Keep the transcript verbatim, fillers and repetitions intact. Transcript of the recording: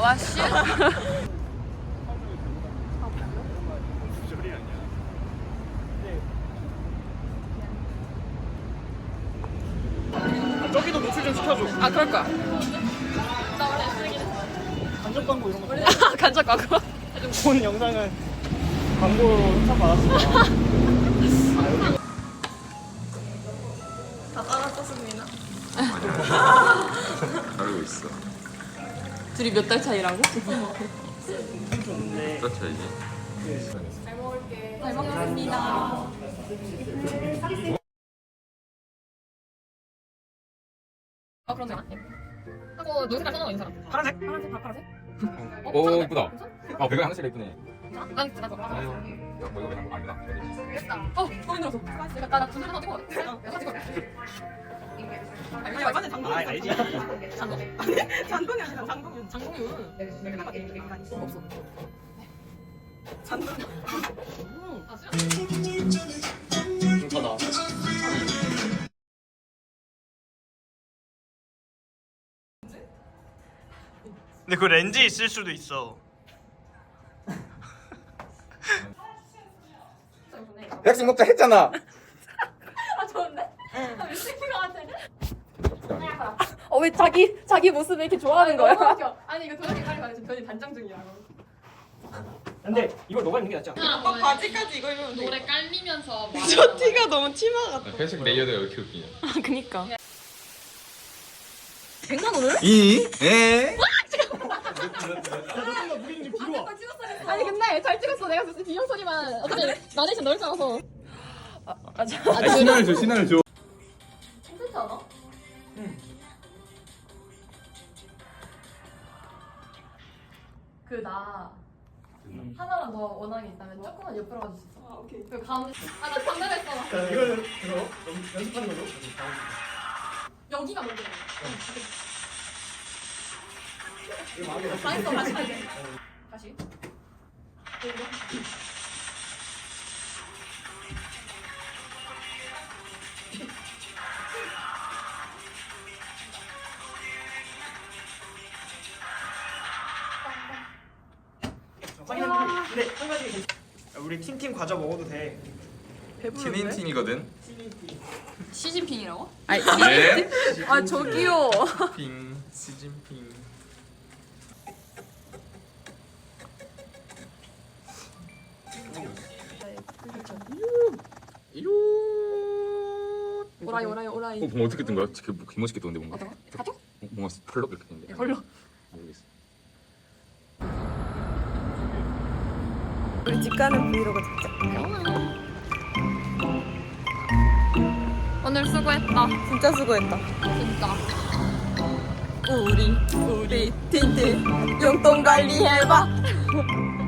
와씨. 저기도 노출 좀 시켜줘. 아 그럴 거야. 간접 광고 이런 거. 간접 광고. 본 영상은 광고로 협찬받았습니다. 다 따라 썼습니다. 알고 있어. 둘이 몇 달 차이라고? 좋은데. 몇 차이지? 잘 먹을게. 잘 먹겠습니다. 아 그런 거 하고 노색깔 써놓은 사람. 파란색? 파란색 다 파란색? 오 이쁘다. 아 배가 하나씩 예쁘네. 난 진짜 나 아유, 야, 뭐 이거 그냥 아니다. 됐다. 어 너무 힘들었어. 내가 나나 두 손으로 찍어. 내가 찍어. 아니 완전 장동. 아 알지. 장동. 장동이 아니라 장동윤. 장동윤. 없어. 장동. 아 싫어. 더 나와. 근데 그 렌즈 있을 수도 있어. 백숙 먹자 했잖아. 아 좋은데? 아 미친 것 같아. 어 왜 자기 자기 모습을 이렇게 좋아하는 거야? 아니 이거 도현이 빨리 가야지. 도현이 단장 중이라고. 근데 이걸 너가 입는 게 낫지 않아? 오빠 바지까지 이거 입으면 돼. 노래 깔리면서 저 티가 너무 치마 같아. 회색 레이어드가 왜 이렇게 웃기냐? 아 그니까. 백만 원을? 이? 에? 아니 근데 잘 찍었어. 내가 무슨 비명 소리만 어떻게 나레이션 넣을 줄 알아서. 아, 아, 저, 아, 아, 신화를 줘, 신화를 줘. 괜찮지 않아? 응. 그 나 하나만 더 원하는 게 있다면 조금만 옆으로 가줄 수 있어? 아 오케이. 그 가운데. 아나 장난했어. 자 이거는 그거 연- 연습하는 걸로. 여기가 문제야. 이거 마음에 다 했어. 다시 다시. 다시. 그리고 근데 한 가지 괜찮- 우리 팀팀 과자 먹어도 돼. 신인 팀이거든. 시진핑이라고? 네. 아 저기요. 핑, 시진핑. 이요. 오라이 오라이 오라이. 어, 뭐 어떻게 뜬 거야? 되게 뭐 개멋있게 떴는데 뭔가. 어떤 거? 가죠? 어, 뭔가 펄럭 이렇게 됐는데. 헐로. 모르겠어. 우리 집 가는 브이로그 찍자. 오늘 수고했다. 진짜 수고했다. 진짜. 우리 우리 틴틴 용돈 관리해봐.